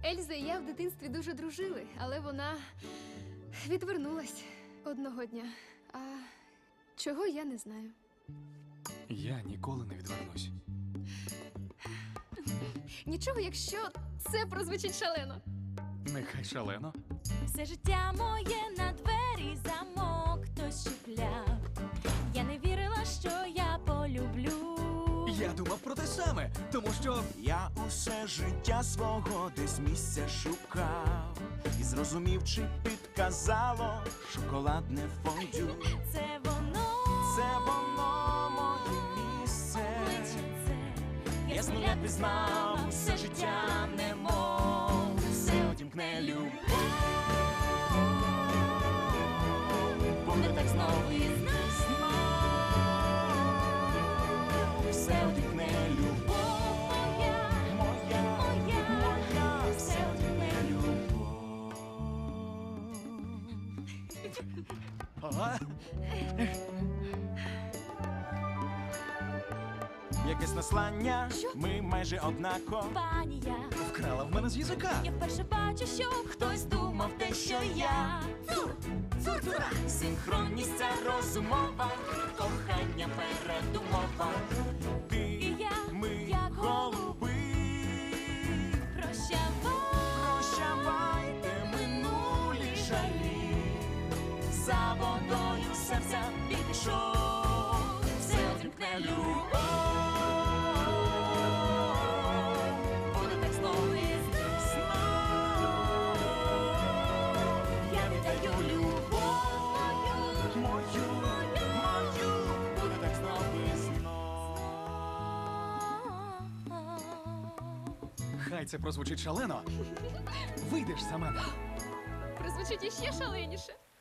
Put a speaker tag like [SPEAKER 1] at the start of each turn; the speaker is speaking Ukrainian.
[SPEAKER 1] Ельза і я в дитинстві дуже дружили, але вона відвернулась одного дня. А чого я не знаю.
[SPEAKER 2] Я ніколи не відвернусь.
[SPEAKER 1] Нічого, якщо це прозвучить шалено.
[SPEAKER 2] Нехай шалено.
[SPEAKER 3] Все життя моє на двері замок хтось чіпляв. Я не вірила, що я полюблю.
[SPEAKER 2] Я думав про те саме, тому що
[SPEAKER 4] Я усе життя свого десь місця шукав і зрозумів, чи підказало шоколадне фондю.
[SPEAKER 3] Це воно,
[SPEAKER 4] Це воно моє місце.
[SPEAKER 3] обличчя це.
[SPEAKER 4] Я з нуля пізнав все життя немов. Все одімкне любов. Буде так знову і знов. Все одімкне любов. Моя, все одімкне любов.
[SPEAKER 2] Ага.
[SPEAKER 4] Якесь наслання, ми майже однаково.
[SPEAKER 3] Компанія.
[SPEAKER 2] Вкрала в мене з язика.
[SPEAKER 3] Я вперше бачу, що хтось думав те, що я.
[SPEAKER 4] Синхронність ця розумова, кохання передумова. Ти,
[SPEAKER 3] І я,
[SPEAKER 4] ми,
[SPEAKER 3] як
[SPEAKER 4] голуби. Прощавайте минулі жалі. За водою серця пішов. Все одімкне любов. Буде так знову і знов. Я віддаю любов. Мою. Буде так знову і знов.
[SPEAKER 2] Хай це прозвучить шалено. Вийдеш за мене.
[SPEAKER 1] Прозвучить іще шаленіше.